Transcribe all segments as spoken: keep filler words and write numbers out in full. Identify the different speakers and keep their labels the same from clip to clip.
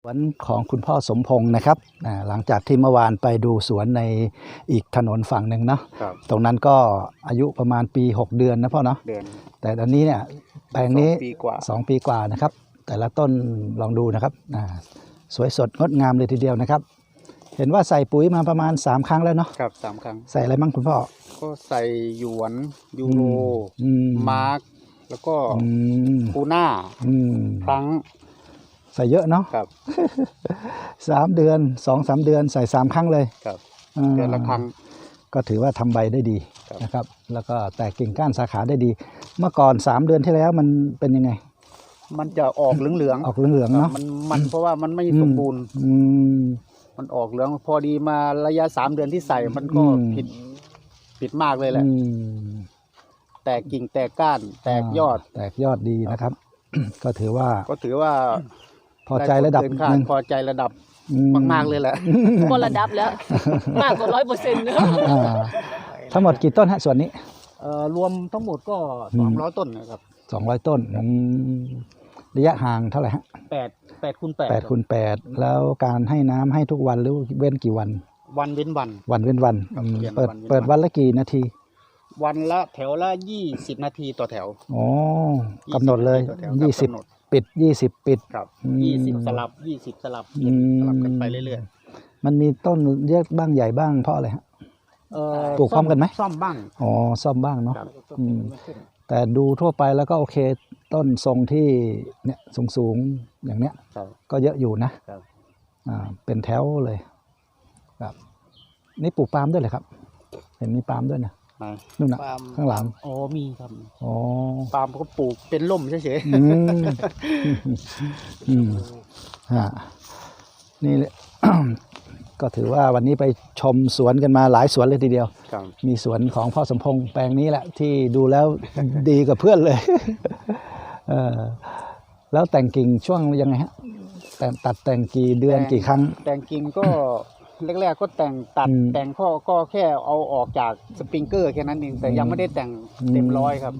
Speaker 1: สวนของคุณพ่อสมพงษ์นะครับหลังจากที่เมื่อวานไปดูสวนในอีกถนนฝั่งหนึ่งเนาะตรงนั้นก็อายุประมาณปีหกเดือนนะพ่อเนาะเดือนแต่ตอนนี้เนี่ยแปลงนี้สองปีกว่านะครับแต่ละต้นลองดูนะครับสวยสดงดงามเลยทีเดียวนะครับเห็นว่าใส่ปุ๋ยมาประมาณสามครั้งแล้วเนาะครับสามครั้งใส่อะไรบ้างคุณพ่อ
Speaker 2: ก็ใส่หยวนยูโรมาร์กแล้วก็ปูน่าพลัง
Speaker 1: ใส่เยอะเนาะครับสามเดือนสองสามเดือนใส่สามครั้งเลยครับ
Speaker 2: เดือนละครั้ง
Speaker 1: ก็ถือว่าทำใบได้ดีนะครับแล้วก็แตกกิ่งก้านสาขาได้ดีเมื่อก่อนสามเดือนที่แล้วมันเป็นยังไง
Speaker 2: มันจะออกเหลือง
Speaker 1: ๆออกเหลืองๆเนาะ
Speaker 2: มันมันเพราะว่ามันไม่สมบูรณ์มันออกเหลืองพอดีมาระยะสามเดือนที่ใส่มันก็ผิดผิดมากเลยแหละแตกกิ่งแตกก้านแตกยอด
Speaker 1: แตกยอดดีนะครับก็ถือว่า
Speaker 2: ก็ถือว่า
Speaker 1: พอใจระดับนึง
Speaker 2: พอใจระดับมากๆเลยแหละ
Speaker 3: พอระดับแล้วมากกว่าร้อยเปอร์เซ็นต์เลย
Speaker 1: ทั้งหมดกี่ต้นฮะส่วนนี้
Speaker 2: รวมทั้งหมดก็สองร้อยต้นนะครับ
Speaker 1: สองร้อยต้นระยะห่างเท่าไหร่ฮะ
Speaker 2: แปดแปดคูณแปด
Speaker 1: แปดคูณแปดแล้วการให้น้ำให้ทุกวันหรือเว้นกี่วัน
Speaker 2: วันเว้นวัน
Speaker 1: วันเว้นวันเปิดเปิดวันละกี่นาที
Speaker 2: วันละแถวละยี่สิบนาทีต่อแถว
Speaker 1: อ๋อกำหนดเลยยี่สิบปิดยี่สิบปิด
Speaker 2: ครับยี่สิบสลับยี่สิบสลับสลับกันไปเรื่อย
Speaker 1: ๆมันมีต้นเยอะบ้างใหญ่บ้างเพราะอะไรฮะปลูกพร้อมกันไหม
Speaker 2: ซ่อมบ้าง
Speaker 1: อ๋อซ่อมบ้างเนาะแต่ดูทั่วไปแล้วก็โอเคต้นทรงที่เนี่ยสูงสูงอย่างเนี้ยก็เยอะอยู่นะอ่าเป็นแถวเลยครับนี่ปลูกปาล์มด้วยเลยครับเห็นมีปาล์มด้วยนะนู่นนะข้างหลัง
Speaker 2: อ๋อมีครับ
Speaker 1: อ๋อ
Speaker 2: ปาล์มก็ปลูกเป็นร่มเฉยๆ
Speaker 1: อืมอืมฮะนี่ก็ถือว่าวันนี้ไปชมสวนกันมาหลายสวนเลยทีเดียวมีสวนของพ่อสมพงษ์แปลงนี้แหละที่ดูแล้วดีกว่าเพื่อนเลยเออแล้วแต่งกิ่งช่วงยังไงฮะแต่ตัดแต่งกี่เดือนกี่ครั้ง
Speaker 2: แต่งกิ่งก็แรกๆก็แต่งตัดแต่งข้อก็แค่เอาออกจากสปริงเกอร์แค่นั้นเองแต่ยังไม่ได้แต่งเต็มร้อยครับ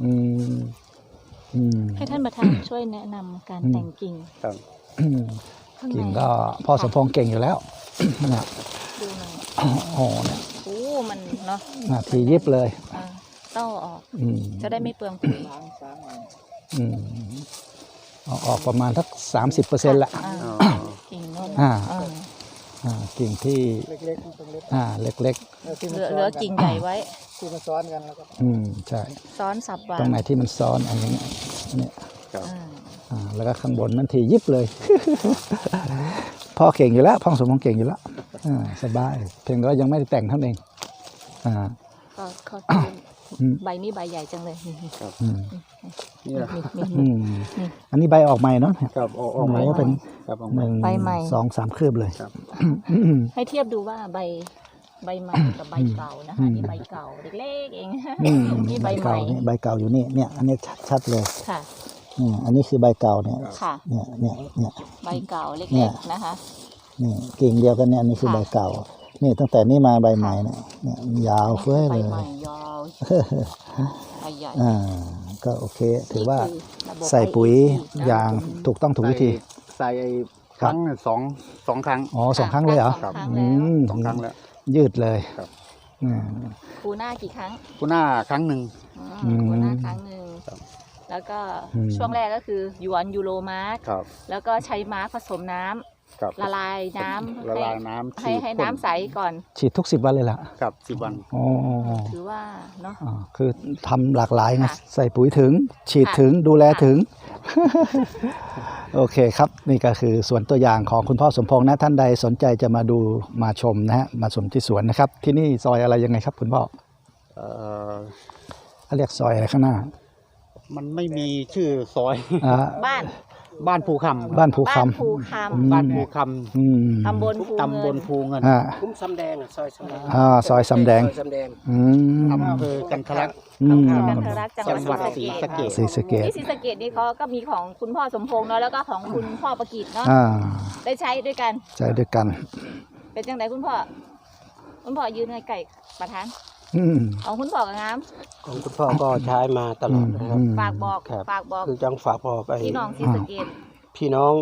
Speaker 3: ให้ท่านประธานช่วยแนะนำการแต่งกิ่ง
Speaker 2: ครับ
Speaker 1: กิ่งก็พ่อสมพงษ์เก่งอยู่แล้วนะ
Speaker 3: ดูหน่อย
Speaker 1: โอ้เนี่ย
Speaker 3: โอ้มันเนาะ
Speaker 1: นาทียิบเลย
Speaker 3: ต้องออกจะได้ไม่เปลืองปุ๋ย
Speaker 1: เอาออกประมาณสักสามสิบเปอร์เซ็นต์ละ
Speaker 3: กิ่งโน่น
Speaker 1: กิ่งที่เล็กๆอ่าเล็ก
Speaker 3: ๆเหลือเหลือกิ่งใหญ่ไว้
Speaker 2: ที่มันซ้อนกันแล้วก็
Speaker 1: อืมใช่
Speaker 3: ซ้อนสับวาง
Speaker 1: ตรงไหนที่มันซ้อนอันนี้เนี่ยอ่าแล้วก็ข้างบนนั่นทียิบเลยพ่อเก่งอยู่แล้วพ่อสมพงษ์เก่งอยู่แล้วอ่าสบายเพียงก็ยังไม่ได้แต่งเท่านั้นเองอ่า
Speaker 3: ก็เขาใบนี้ใบใหญ่จังเลย
Speaker 2: ครับ
Speaker 1: นี่อันนี้ใบออกใหม่เนาะ
Speaker 2: ครับออกใหม่
Speaker 1: เป็นหนึ่งสองสามคืบเลย
Speaker 3: ให้เทียบดูว่าใบใบใหม่กับใบเก่านะคะนี่ใบเก่าเล็กๆเองนี่ใบใหม่
Speaker 1: ใบเก่าอยู่นี่เนี่ยอันนี้ชัดเลย
Speaker 3: ค่ะ
Speaker 1: เนี่ยอันนี้คือใบเก่าเนี่ยเนี่ยเนี่ยเนี่ย
Speaker 3: ใบเก่าเล็กๆนะคะ
Speaker 1: นี่กิ่งเดียวกันเนี่ยอันนี้คือใบเก่านี่ตั้งแต่นี้มาใบใหม่เนี่ยเนี่ยยาวเฟ้ยเลย
Speaker 3: ใบใหม่ยาวใบใหญ่
Speaker 1: อ่าก็โอเคถือว่าใส่ปุ๋ยอย่างถูกต้องถูกวิธี
Speaker 2: ใส่ครั้งสองสองครั้ง
Speaker 1: อ๋อสองครั้งเลยเหรอ
Speaker 2: อืมสองครั้งแล้ว
Speaker 1: ยืดเลย
Speaker 3: ปูหน้ากี่ครั้ง
Speaker 2: ปูหน้าครั้งหนึ่ง
Speaker 3: ปูหน้าครั้งหนึ่งแล้วก็ช่วงแรกก็คือหยวนยูโรมาร์กแล้วก็ใช้มาร์กผสมน้ำละลายน้ำ
Speaker 2: ละลายน้ำ
Speaker 3: ให้ให้น้ำใสก่อน
Speaker 1: ฉีดทุกสิบวันเลยล่ะ
Speaker 2: ครับสิบวัน
Speaker 1: อ๋อ
Speaker 3: ถือว่าเนาะ
Speaker 1: คือทำหลากหลายไงใส่ปุ๋ยถึงฉีดถึงดูแลถึงโอเคครับนี่ก็คือสวนตัวอย่างของคุณพ่อสมพงษ์นะท่านใดสนใจจะมาดูมาชมนะฮะมาชมที่สวนนะครับที่นี่ซอยอะไรยังไงครับคุณพ่อเออเขาเรียกซอยอะไรข้างหน้า
Speaker 2: มันไม่มีชื่อซอย
Speaker 3: บ้าน
Speaker 2: บ้านภูคำ
Speaker 1: บ้านภูค
Speaker 3: ำ
Speaker 2: บ้านภูค
Speaker 3: ำตำบลภู
Speaker 2: ตำบลภูเงิน
Speaker 4: คุ้มสำแดงซอยสำแดง
Speaker 1: อ่าซอยสำแดง
Speaker 2: อำเภอกันทะลัก
Speaker 3: กันทะลักจังหวัดศรีสะเกษ
Speaker 1: ศรีสะเกษ
Speaker 3: ที่ศรีสะเกษนี่เขาก็มีของคุณพ่อสมพงษ์เนาะแล้วก็ของคุณพ่อประกิตเนาะได้ใช้ด้วยกัน
Speaker 1: ใช้ด้วยกัน
Speaker 3: เป็นจังไดคุณพ่อคุณพ่อยืนในไก่ประธานของคุณพ่อกับงาม
Speaker 4: ของคุณพ่อก็ใช้มาตลอดนะครับ
Speaker 3: ฝากบอกฝากบอก
Speaker 4: คือจังฝากบอกไป
Speaker 3: พี่น้องศรีสะเกษ
Speaker 4: พี่น้อง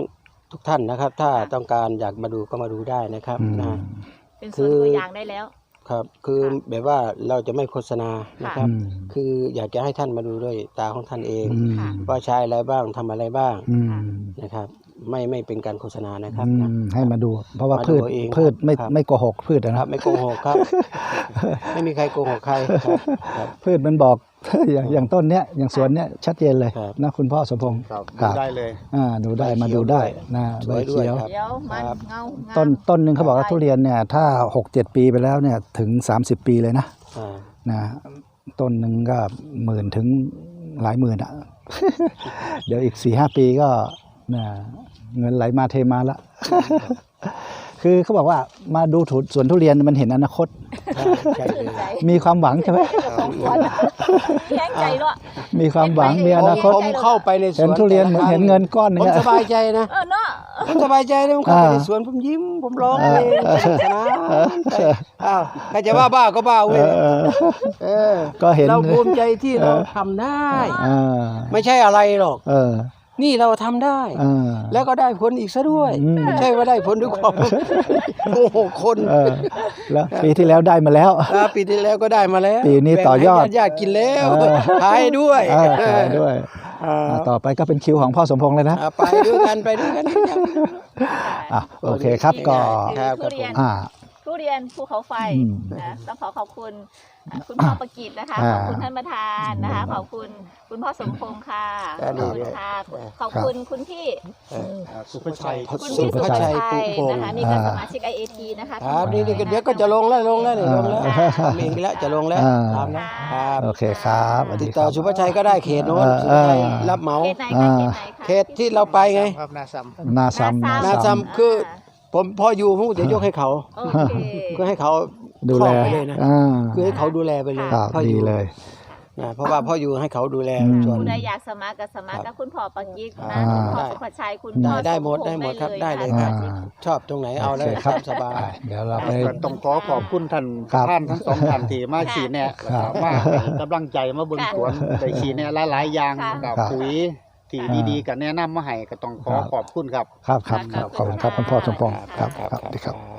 Speaker 4: ทุกท่านนะครับ ถ้าต้องการอยากมาดูก็มาดูได้นะครับ
Speaker 1: อืม
Speaker 4: นะ
Speaker 3: เป็นส่วนตัวอย่างได้แล้ว
Speaker 4: ครับ คือแบบว่าเราจะไม่โฆษณานะครับ
Speaker 1: อืม
Speaker 4: คืออยากจะให้ท่านมาดูด้วยตาของท่านเอง
Speaker 1: อืม
Speaker 3: ค่ะ
Speaker 4: ว่าใช้อะไรบ้างทำอะไรบ้าง
Speaker 1: อืม
Speaker 4: นะครับ ไม่ไม่เป็นการโฆษณานะครับ
Speaker 1: อื
Speaker 4: นะ
Speaker 1: มให้มาดู เพราะว่า
Speaker 4: มาดู
Speaker 1: พืช
Speaker 4: เอง
Speaker 1: พืชไม่
Speaker 4: ครับ
Speaker 1: ไม่โกหกพืชอะ
Speaker 4: ค
Speaker 1: นะ
Speaker 4: รับไม่โกหกครับ ไม่มีใครโกหกใครครับครับ
Speaker 1: พืชมันบอก อย่างอย่างต้นเนี้ยอย่างสวนเนี้ยชัดเจนเลย
Speaker 4: ครับ
Speaker 1: นะคุณพ่อสมพงษ์
Speaker 2: ครับ
Speaker 1: ครับ
Speaker 2: ได้เลย
Speaker 1: อ่าดูได้มาดูได้นะ
Speaker 4: ส
Speaker 1: ใบ
Speaker 4: วยด้วย
Speaker 1: เขียว
Speaker 4: ครับ
Speaker 3: เดี๋ยวมัน
Speaker 4: ครับ
Speaker 3: เงาเงา
Speaker 1: ต้นต้นหนึ่งเขาบอกว่าทุเรียนเนี่ยถ้าหกเจ็ดปีไปแล้วเนี่ยถึงสามสิบปีเลยนะ
Speaker 4: อ่า
Speaker 1: นะต้นหนึ่งก็หมื่นถึงหลายหมื่นอ่ะ เดี๋ยวอีกสี่ห้าปีก็นะเงินไหลมาเทมาละ คือเขาบอกว่ามาดูถุสวนทุเรียนมันเห็นอนาคต
Speaker 4: ใช่เลย
Speaker 3: ใจ
Speaker 1: มีความหวังใช่ไหม
Speaker 3: ของขวัญแห้งใจเนาะ
Speaker 1: มีความหวังมีอนาคต
Speaker 4: ผมเข้าไปในสวน
Speaker 1: เห็นทุเรียนเหมือนเห็นเงินก้อนหนึ
Speaker 4: ผ
Speaker 1: ง
Speaker 4: ม
Speaker 1: อะ
Speaker 4: สบายใจนะ
Speaker 3: เออเนาะ
Speaker 4: ผมสบายใจเลยผมเข้าไป
Speaker 1: อ่า
Speaker 4: ในสวนผมยิ้มผมร้องเพลงสนุกสนานไปอ้าวใครจะว่าบ้าก็บ้า
Speaker 1: เอ
Speaker 4: เว้ย
Speaker 1: อเออ
Speaker 4: เออ
Speaker 1: ก็เห็น
Speaker 4: เราภูมิใจที่เรา
Speaker 1: เออ
Speaker 4: ทำได้
Speaker 1: อ่า
Speaker 4: ไม่ใช่อะไรหรอก
Speaker 1: เออ
Speaker 4: นี่เราทำได้
Speaker 1: อ่า
Speaker 4: แล้วก็ได้ผลอีกซะด้วย
Speaker 1: อืม
Speaker 4: ไม่ใช่ว่าได้ผลด้วยความโอ้โหคน
Speaker 1: เออแล้วปีที่แล้วได้มาแล้ว
Speaker 4: อ่าปีที่แล้วก็ได้มาแล้ว
Speaker 1: ปีนี้ต่อยอด
Speaker 4: แบ่งให้ญาติๆกินแล้ว
Speaker 1: เออ
Speaker 4: ขายด้วย
Speaker 1: เออขายด้วย
Speaker 4: อ่า
Speaker 1: อ่าต่อไปก็เป็นคิวของพ่อสมพงษ์เลยนะ
Speaker 4: อ่าไปด้วยกันไปด้วยกัน
Speaker 1: อ่ะโอเคครับก็
Speaker 4: ครับ
Speaker 3: ทุเรียน
Speaker 1: อ่า
Speaker 3: ทุเรียนภูเขาไฟ
Speaker 1: อืม
Speaker 3: นะต้องขอขอบคุณอ่ะคุณพ่อประกิตนะคะ
Speaker 1: อ่า
Speaker 3: ขอบคุณท่านประธานนะคะ ขอบคุณคุณพ่อสมพงษ์ค่ะ
Speaker 4: อ่า
Speaker 3: ขอบคุณค่ะ ขอบคุณคุณพี่
Speaker 2: สุภชัย
Speaker 4: คุณ
Speaker 3: คุณ
Speaker 4: สุ
Speaker 3: พี่
Speaker 4: ภ
Speaker 3: สุภ
Speaker 4: ชั
Speaker 3: ชั
Speaker 4: ย
Speaker 3: ย
Speaker 4: ปุพงศ์
Speaker 3: นะคะนี่ก็สมาชิก ไอ เอ ที นะคะ
Speaker 4: ครับนี่นี่ก็เดี๋ยวก็จะลงแล้วลงแล้วนี่ลงแล้ว
Speaker 1: อ่า
Speaker 4: ทำเองแล้วจะลงแล้ว
Speaker 1: อ่า
Speaker 4: ทำนะครับ
Speaker 1: โอเคครับสวัส
Speaker 4: ติ
Speaker 1: ดี
Speaker 4: ด
Speaker 1: ค
Speaker 4: ต่อ
Speaker 1: รับ
Speaker 4: สุภชัยก็ได้เขตโน้น
Speaker 1: เออ
Speaker 4: สุภชัย
Speaker 1: เออ
Speaker 4: รับเหมา
Speaker 3: เขตไหนคะ
Speaker 1: อ่า
Speaker 3: เขตไหนคะ
Speaker 4: เขตที่เราไปไง
Speaker 2: ครับนาซัม
Speaker 1: นาซัม
Speaker 3: นา
Speaker 4: นา
Speaker 3: ซั
Speaker 4: ซัมคือ ผมพออยู่ผมจะยกให้เขา
Speaker 3: โอเค
Speaker 4: ก็ให้เขา
Speaker 1: ดูแล
Speaker 4: ครอบไปเลยนะ
Speaker 1: อ่า
Speaker 4: คือให้เขาดูแลไปเลย
Speaker 1: ครับ
Speaker 4: พ่ออ
Speaker 1: ดี
Speaker 4: ยู่
Speaker 1: เลย
Speaker 4: นะเพราะว่าพ่ออยู่ให้เขาดูแล
Speaker 1: อืม
Speaker 4: ส่วน
Speaker 3: คุณใดอยากสมัครกับสมัครกับคุณพ่อปักยิกนะ
Speaker 1: อ่า
Speaker 3: คุณพ่อสุภชัยคุณ
Speaker 4: ได้
Speaker 3: พ่อ
Speaker 4: ได้หมด
Speaker 3: สพ
Speaker 4: ได้
Speaker 3: งษ์
Speaker 4: หมดครับ
Speaker 3: ได้
Speaker 4: ได้
Speaker 3: เล
Speaker 4: เลย ย
Speaker 3: นะ
Speaker 4: ค
Speaker 3: คะ
Speaker 4: รับชอบตรงไหนเอาเลย
Speaker 1: โค
Speaker 4: ครับ
Speaker 1: ครับ
Speaker 4: สบาย
Speaker 1: ไปเดี๋ยวเราไป
Speaker 2: ก็ต้องขอขอบคุณท่าน
Speaker 1: ครับ
Speaker 2: ท่านทั้งสองท่านที่มาชี้แนะแล้ว
Speaker 1: ครั
Speaker 2: ก็
Speaker 1: บ
Speaker 2: มาให้กำลังใจมาเบิ่งสวนได้ชี้แนะหลายๆอย่าง
Speaker 3: ค่ะ
Speaker 2: กับ
Speaker 1: ครับ
Speaker 2: ปุ๋ยที่ดีๆก็แนะนำมาให้ก็ต้องขอ
Speaker 1: ครับ
Speaker 2: ขอบคุณครับ
Speaker 1: ครับครับ
Speaker 3: ครับ
Speaker 1: ขอบคุณครับคุณพ่อสมพงษ์
Speaker 3: ครับ
Speaker 1: ครับครับสวัสดีครับ
Speaker 4: ครับ